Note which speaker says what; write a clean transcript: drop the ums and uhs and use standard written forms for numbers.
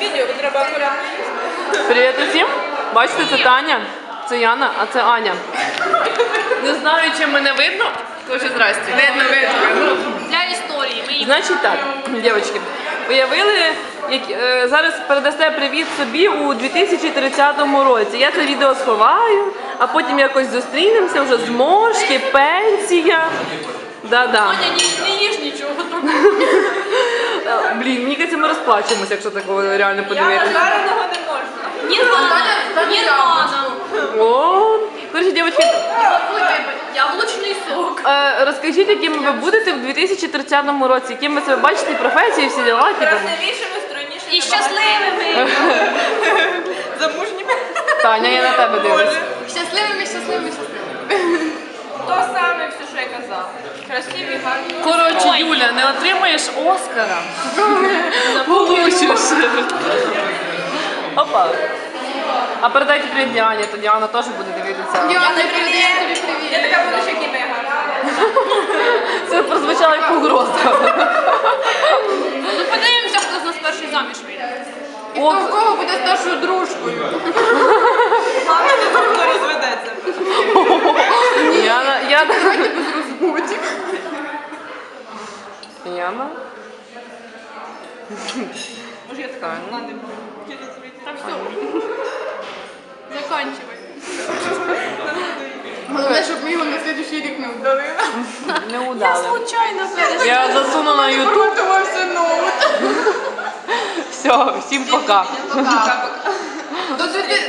Speaker 1: відео, треба акуратно їсти.
Speaker 2: Привіт усім! Бачите, це Таня, це Яна, а це Аня. Не знаю, чи мене видно. Тож, здрасте.
Speaker 1: Видно. Для історії. Ми їх
Speaker 2: Значить так, дівчатки, уявили, зараз передасте привіт собі у 2030 році. Я це відео сховаю, а потім якось зустрінемося, вже зморшки, пенсія. Да-да.
Speaker 1: Аня, не їж нічого.
Speaker 2: Блін, мені кажеться, ми розплачемося, якщо такого реально подивитися.
Speaker 1: Жареного не можна. Не надо.
Speaker 2: О, коротше, дівчатки,
Speaker 1: Яблучний сок.
Speaker 2: розкажіть, якими ви будете в 2030 році, яким ви себе бачите, професії, всі діла, які там.
Speaker 1: Красивішими, стройнішими. І щасливими. Замужніми.
Speaker 2: Таня, я на тебе дивлюсь.
Speaker 1: Щасливими. То саме все, що я казала. Красиві, гарні.
Speaker 2: Коротше, Юля, не отримаєш Оскара. Получиш. Опа. А передайте привіт Діані, то Діана теж буде дивитися.
Speaker 1: Я не передаю тобі привіт. Я така буду ще кімега.
Speaker 2: Це прозвучало як погроза.
Speaker 1: Ну подивимося, хто з нас перший заміж вийде.
Speaker 2: І хто
Speaker 1: в кого буде старшою дружкою. Хто розведеться.
Speaker 2: Яна. Без розбудів. Яна.
Speaker 1: Може я така надо. Так все. Заканчивай.
Speaker 3: Головне, щоб ми його на слідчий рік не вдали.
Speaker 2: Не удали.
Speaker 1: Случайно.
Speaker 2: Я засуну на YouTube.
Speaker 3: Готувався ноут.
Speaker 2: Все, всім пока.
Speaker 3: До